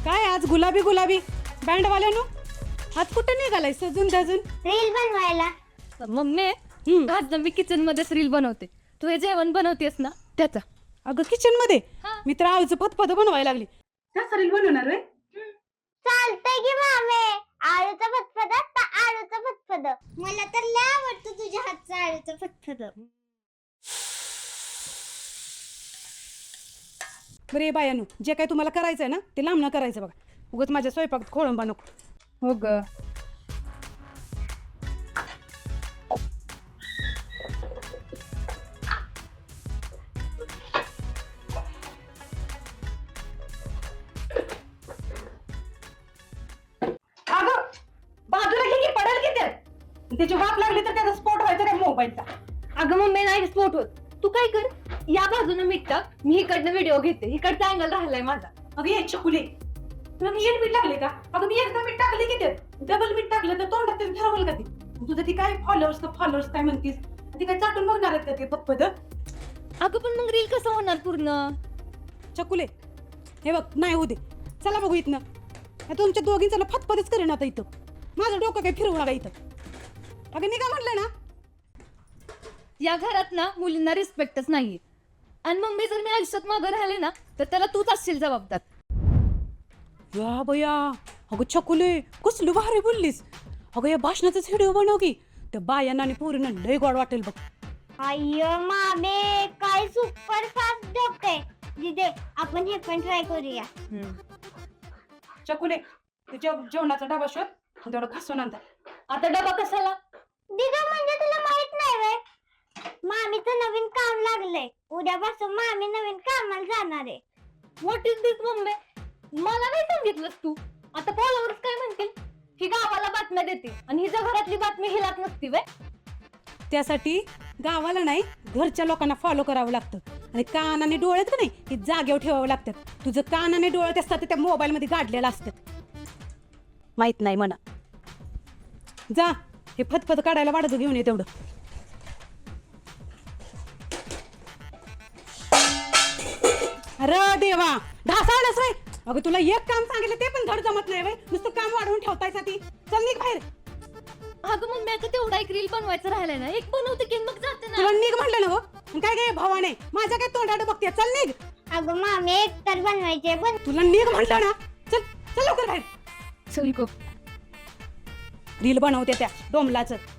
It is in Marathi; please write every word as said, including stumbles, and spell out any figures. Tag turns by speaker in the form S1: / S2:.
S1: काय आज गुलाबी गुलाबी बँडवाल्यानो आज कुठे निघालाय सजून धजून?
S2: रील बनवायला.
S3: मम्मी
S1: हम्म.
S3: आज ना मी किचन मध्येच रील बनवते. तू हे जेवण बनवतेस ना त्याचा.
S1: अगं किचन मध्ये
S3: हा.
S1: मी तर आळूचं फतफत बनवायला लागली. त्याचा रील बनवणार रे?
S2: चालतंय की मामे. आळूचं फतफद आता आळूचं फतफद. मला तर लय आवडतं तुझ्या हातचं आळूचं फतफद.
S1: बरे बायानो जे काय तुम्हाला करायचंय ना ते लांबणं करायचं बघा. उगाच माझ्या स्वयंपाकात खोळंबा नको.
S3: हो ग.
S1: अगं बाजूला घे की पडेल की त्यात. त्याची वाफ लागली तर त्याचा स्पॉट व्हायचा काय मोबाईलचा.
S3: अगं मम्मी नाही स्पोर्ट होत. तू काय कर, या बाजूनं मीठ टाक, मी इकडनं व्हिडिओ घेते. इकडचा अँगल राहिलाय माझा.
S1: अगं ये चकुले तुला मी एक मीठ लागले का? अगं मी एकदा मीठ टाकले की त्यात डबल मीठ टाकलं तर तोंडात तरी ठरवलं का ते? तुझं ती काय फॉलोअर्स तर फॉलोअर्स काय म्हणतीस ती काय चाटून बघणार आहेत का ते पप्पद?
S3: अगं पण मग रील कसं होणार पूर्ण?
S1: चकुले हे बघ नाही होऊ दे. चला बघू इथनं. हे तुमच्या दोघींचं ना फतफतच करेन आता इथं. माझं डोकं काही फिरवू नका इथं. अगं निघा म्हटलं ना.
S3: या घरात ना मुलींना रिस्पेक्टच नाहीये. आणि मम्मी जर मी आयुष्यात मागं राहिले ना तर त्याला तूच असशील जबाबदार.
S1: या बया अगं चकुले कसली भारी बोललीस. अगं या भाषणाचाच व्हिडिओ बनव की. त्या बायांना आणि पोरींना लय गोड वाटेल बघ.
S2: अय्यो मामे काय सुपर फास्ट डोकं आहे. दिदे आपण हे पण ट्राय करूया.
S1: चकुले तुझ्या जेवणाचा डबा शोध तेवढं घासून आणता.
S3: आता डबा कशाला?
S2: दिदे म्हणजे तुला माहित नाही व्हय? मामीचं नवीन काम लागलंय. उद्यापासून मामी नवीन कामाला जाणार आहे.
S3: What is this mummy? मला नाही सांगितलंस तू. आता फॉलोअर्स काय म्हणतील? ही गावाला बातम्या देते आणि हिच्या घरातली बातमी हिलाच नसती वे.
S1: त्यासाठी गावाला नाही घरच्या लोकांना फॉलो करावं लागतं. आणि कान आणि डोळ्यात का नाही हे जागेवर ठेवावं लागतात. तुझं कान आणि डोळ्यात असतात ते त्या मोबाईल मध्ये गाडलेलं असतात. माहित नाही म्हणा. जा हे फतफत काढायला वाढत घेऊन ये तेवढं. अरे देवा ढासाळलंच रे. अगं तुला एक काम सांगितलं ते पण धड जमत नाही बाई. नुसतं काम वाढवून ठेवतायसा ती. चल निघ बाहेर.
S3: अगं मम्मी आता तेवढा एक रील बनवायचं राहिलाय ना. एक बनवते की मग जाते ना.
S1: तुला निघ म्हटलं ना गो. काय काय भावाने माझ्या काय तोंडाकडे बघते. चल निघ.
S2: अगं मामी एक तर बनवायचे पण
S1: तुला निघ म्हटलं ना. चल चल लवकर बाहेर.
S3: चल गो.
S1: रील बनवते त्या डोमलाचं.